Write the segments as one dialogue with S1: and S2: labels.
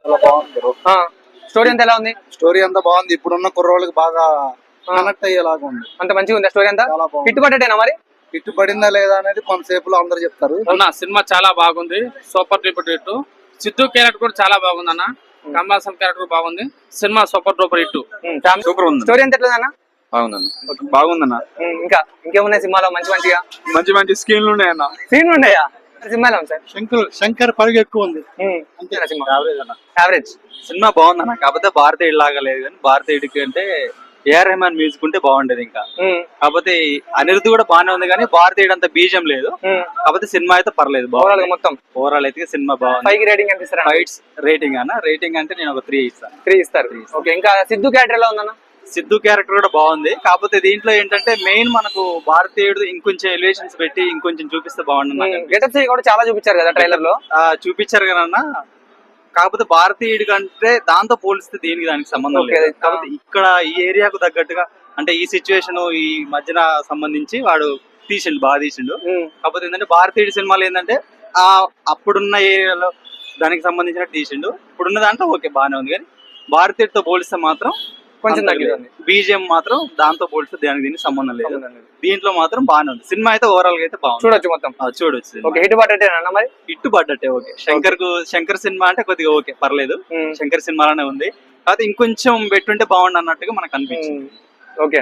S1: చాలా బాగుంది bro.
S2: Story అంతా ఎలా ఉంది?
S1: స్టోరీ అంతా బాగుంది. ఇప్పుడున్న కుర్రోళ్ళకి బాగా కనెక్ట్ అయ్యేలాగా ఉంది.
S2: అంత మంచిగా ఉంది స్టోరీ అంతా.
S1: చాలా బాగుంది.
S2: హిట్టుపడ్డేనా మరి?
S1: హిట్ పడిందా లేదా అనేది కొంతసేపులో అందరు చెప్తారు.
S3: అన్న సినిమా చాలా బాగుంది, super duper hit. Siddhu character కూడా చాలా బాగుంది అన్న. కమల్ హాసన్ క్యారెక్టర్ బాగుంది. Cinema super duper hit.
S2: Super ఉంది. స్టోరీ ఎంత ఎట్లా అన్న?
S4: బాగుందన్న, బాగుందన్న.
S2: ఇంకేమున్నాయి సినిమాలో మంచి
S4: మంచి స్క్రీన్లు ఉన్నాయన్న.
S2: సీన్లు ఉన్నాయా సినిమాలో? సార్
S1: శంకర్ పరుగు ఎక్కువ ఉంది.
S2: అంతేనా సినిమా?
S4: యావరేజ్ సినిమా బాగుందన్న. కాకపోతే భారతీయుడు లాగా లేదు, కానీ భారతీయుడికి అంటే ఏఆర్ రెహమాన్ మ్యూజిక్ ఉంటే బాగుండేది. ఇంకా కాకపోతే అనిరుద్ధ్ కూడా బాగానే ఉంది, కానీ భారతీయుడు అంత బీజం లేదు. కాకపోతే సినిమా అయితే పర్లేదు, బాగుంది.
S2: మొత్తం
S4: ఓవరాల్ అయితే సినిమా బాగుంది.
S2: 5 రేటింగ్ ఎంత ఇస్తారు?
S4: ఫైట్స్ రేటింగ్ అన్న, రేటింగ్ అంటే నేను ఒక 3 ఇస్తాను.
S2: 3 ఇస్తారు. ఓకే, ఇంకా సిద్ధు క్యారెక్టర్ ఎలా ఉందన్న?
S4: సిద్ధు క్యారెక్టర్ కూడా బాగుంది. కాకపోతే దీంట్లో ఏంటంటే మెయిన్ మనకు భారతీయుడు ఇంకొంచెం ఎలివేషన్స్ పెట్టి ఇంకొంచెం చూపిస్తే బాగుంటుంది.
S2: గెటప్స్ కూడా చాలా చూపించారు కదా ట్రైలర్ లో.
S4: చూపించారు కదన్నా. కాకపోతే భారతీయుడి కంటే దాంతో పోలిస్తే దానికి సంబంధం లేదు. కాకపోతే ఇక్కడ ఈ ఏరియాకు తగ్గట్టుగా అంటే ఈ సిచ్యువేషన్ ఈ మధ్యన సంబంధించి వాడు తీసిండు, బాగా తీసిండు. కాకపోతే ఏంటంటే భారతీయుడి సినిమాలు ఏంటంటే అప్పుడున్న ఏరియాలో దానికి సంబంధించిన తీసిండు. ఇప్పుడున్న దాంట్లో ఓకే బాగానే ఉంది, కానీ భారతీయుడితో పోలిస్తే మాత్రం కొంచెం తగ్గింది. బీజిఎం మాత్రం దాంతో పోలిస్తే దీనికి సంబంధం లేదు. దీంట్లో మాత్రం బాగానే ఉంది. సినిమా అయితే ఓవరాల్ గా అయితే బాగుంది,
S2: చూడొచ్చు మొత్తం.
S4: చూడొచ్చు.
S2: హిట్ పడ్డట్టేనా మరి?
S4: హిట్ పడ్డట్టే. ఓకే, శంకర్ సినిమా అంటే కొద్దిగా ఓకే పర్లేదు, శంకర్ సినిమాలోనే ఉంది. కాకపోతే ఇంకొంచెం పెట్టుంటే బాగుండు అన్నట్టుగా మనకు అనిపించింది.
S2: ఓకే,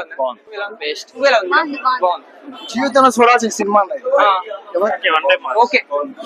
S1: జీవితంలో చూడాల్సిన సినిమా.
S2: ఓకే,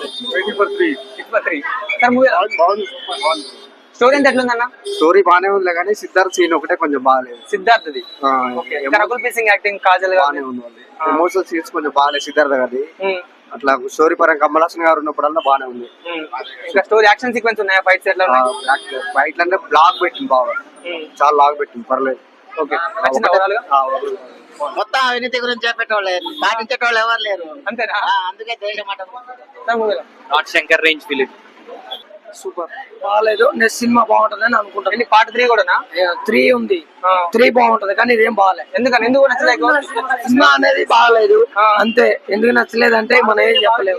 S2: స్టోరీ ఎంత ఎట్లుందన్న?
S1: స్టోరీ బానే ఉంది, కానీ సిద్ధార్థ్ సీన్ ఒకటే కొంచెం బాగాలేదు.
S2: సిద్ధార్థది రకుల్ ప్రీత్ సింగ్ యాక్టింగ్, కాజల్
S1: బాగానే ఉంది. ఎమోషనల్ సీన్స్ కొంచెం బాగాలేదు సిద్ధార్థ్ గారి. అట్లా స్టోరీ పరంగా కమల్ హాసన్ గారు ఉన్నప్పుడల్లా బాగానే ఉంది.
S2: ఇంకా స్టోరీ యాక్షన్ సీక్వెన్స్ ఉన్నాయా? ఫైట్స్ ఎట్లా?
S1: ఫైట్లు అంటే బ్లాక్ పెట్టింది బాగా, చాలా లాగ్ పెట్టింది, పర్లేదు.
S2: ఓకే,
S5: మొత్తం అవినీతి గురించి చెప్పేటోళ్ళు, పాటించేటోళ్ళు ఎవరు లేరు.
S2: అంతేనా?
S5: అందుకే దేశం
S4: not Shankar range film.
S5: Super బాగాలేదు. నెక్స్ట్ సినిమా బాగుంటదని అనుకుంటాను.
S2: పార్ట్ 3 కూడా
S5: 3 ఉంది. 3 బాగుంటది, కానీ ఇదేం బాగాలేదు.
S2: ఎందుకు నచ్చలేదు?
S5: సినిమా అనేది బాగాలేదు అంతే. ఎందుకు నచ్చలేదు అంటే మనం ఏం చెప్పలేము.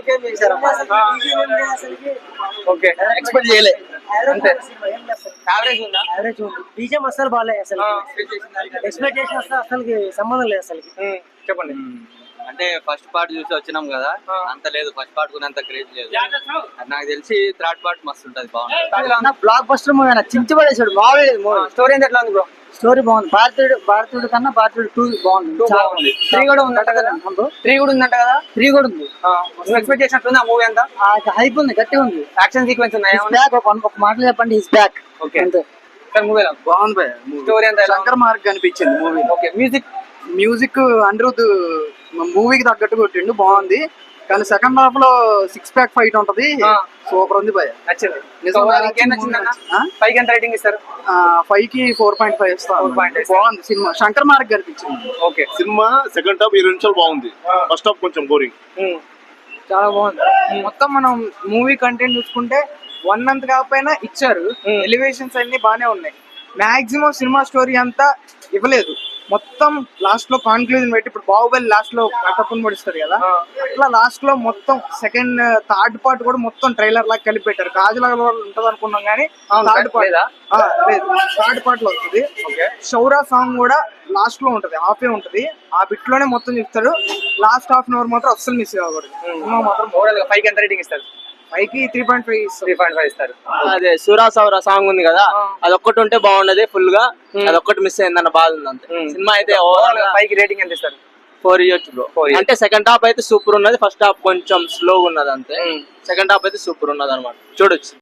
S2: ఓకే, ఎక్స్పెక్ట్ చేయలే అంతే. యావరేజ్ ఉందా?
S5: యావరేజ్ ఉంది. బీజం అసలు బాగాలేదు. అసలు ఎక్స్పెక్టేషన్ అసలు సంబంధం లేదు అసలు.
S2: చెప్పండి.
S4: అంటే ఫస్ట్ పార్ట్ చూసి వచ్చినాం కదా, అంత లేదు. ఫస్ట్ పార్ట్ కూడా అంత క్రేజ్ లేదు. నాకు తెలిసి థర్డ్ పార్ట్ మస్తు ఉంటది, బాగుంటుంది.
S5: బ్లాక్ బస్టర్ మూవీ చించి పడేసాడు, బాగాలేదు మూవీ.
S2: స్టోరీ ఎంత ఎట్లా ఉంది బ్రో?
S5: స్టోరీ బాగుంది. భారతీయుడు కన్నా భారతీయుడు 2 బాగుంది.
S2: 3 కూడా ఉందంట కదా? 3 కూడా ఉందంట కదా?
S5: 3 కూడా ఉంది.
S2: నువ్వు ఎక్స్పెక్ట్ చేసినట్టుంది ఆ మూవీ అంతా?
S5: హైప్ ఉంది, గట్టిగా ఉంది.
S2: యాక్షన్ సీక్వెన్స్ ఉన్నాయా?
S5: ఒక మాటలు చెప్పండి, హిస్ బ్యాక్.
S2: ఓకే, అంతే. మూవీ
S4: బాగుంది.
S2: స్టోరీ అంతా
S4: శంకర్ మార్క్ అనిపించింది మూవీ.
S2: ఓకే,
S4: మ్యూజిక్ అనిరుద్ధ్ మూవీకి తగ్గట్టు కొట్టిండు, బాగుంది. కానీ సెకండ్ హాఫ్ లో 6 ప్యాక్ ఫైట్ ఉంటది, సూపర్ ఉంది భయ.
S2: నచ్చింది. 5 ఎంత రేటింగ్ ఇస్తారు?
S4: 5 కి 4.5 ఇస్తాను. బాగుంది సినిమా, శంకర్ మార్క్ కనిపించింది.
S2: ఓకే,
S6: సినిమా సెకండ్ హాఫ్ 20 నిమిషాలు బాగుంది, ఫస్ట్ హాఫ్ కొంచెం బోరింగ్.
S5: చాలా బాగుంది. మొత్తం మనం మూవీ కంటెంట్ చూసుకుంటే 1 మంత్ కాకపోయినా ఇచ్చారు. ఎలివేషన్స్ అన్ని బానే ఉన్నాయి. మాక్సిమం సినిమా స్టోరీ అంతా ఇవ్వలేదు. మొత్తం లాస్ట్ లో కాన్క్లూజన్ పెట్టి, ఇప్పుడు బాహుబలి లాస్ట్ లో కట్టపుని పడిస్తారు కదా, అట్లా లాస్ట్ లో మొత్తం సెకండ్ థర్డ్ పార్ట్ కూడా మొత్తం ట్రైలర్ లాగా కలిపి పెట్టారు. కాజులా ఉంటది అనుకున్నాం, కానీ థర్డ్ పార్ట్ లేదు, థర్డ్ పార్ట్ లో వస్తుంది. షౌరా సాంగ్ కూడా లాస్ట్ లో ఉంటది, హాఫే ఉంటది. ఆ బిట్ లోనే మొత్తం చెప్తాడు. లాస్ట్ హాఫ్ అన్ అవర్ మాత్రం అస్సలు మిస్ అవ్వకూడదు. మాత్రం
S2: 5 ఎంత రేటింగ్ ఇస్తారు?
S5: 5 కి 3.5
S2: ఇస్తారు.
S7: అదే సూరా సౌరా సాంగ్ ఉంది కదా, అది ఒక్కటి ఉంటే బాగున్నది ఫుల్ గా. అది ఒక్కటి మిస్ అయిందన్న బాధ ఉంది అంతే. సినిమా అయితే
S2: 5 కి రేటింగ్ ఎంత ఇస్తారు?
S7: 4 ఇయర్స్ బ్రో. అంటే సెకండ్ హాఫ్ అయితే సూపర్ ఉన్నది, ఫస్ట్ హాఫ్ కొంచెం స్లో ఉన్నది అంతే. సెకండ్ హాఫ్ అయితే సూపర్ ఉన్నది అనమాట, చూడొచ్చు.